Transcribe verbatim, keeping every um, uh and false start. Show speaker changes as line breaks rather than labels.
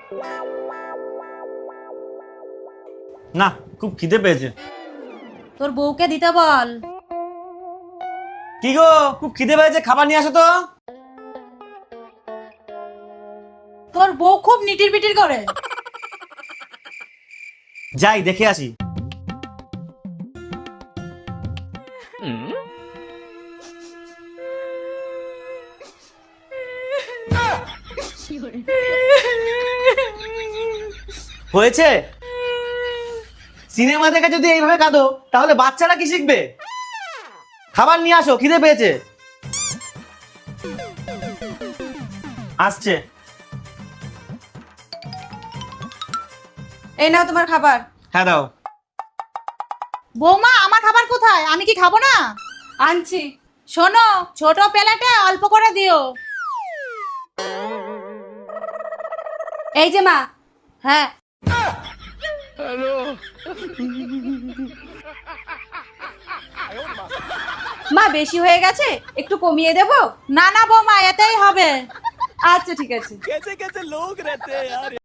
না, খুব খিদে পেয়েছে।
তোর বউকে দিতে বল।
কি গো, খুব খিদে পেয়েছে, খাবার নিয়ে আসো তো।
তোর বউ খুব নিটির পিটির করে।
যাই দেখে আসি। হয়েছে? সিনেমা দেখে যদি এইভাবে কাঁদো তাহলে বাচ্চারা কি শিখবে? খাবার নিয়ে আসো, খিদে পেয়েছে। আসছে।
এই নাও তোমার খাবার।
হ্যাঁ দাও।
বৌমা, আমার খাবার কোথায়? আমি কি খাবো না? আনছি। শোনো, ছোট প্লেটে অল্প করে দিও। এই যে মা। হ্যাঁ। মা, বেশি হয়ে গেছে, একটু কমিয়ে দেব? না না বৌমা, এতেই হবে। আচ্ছা ঠিক আছে।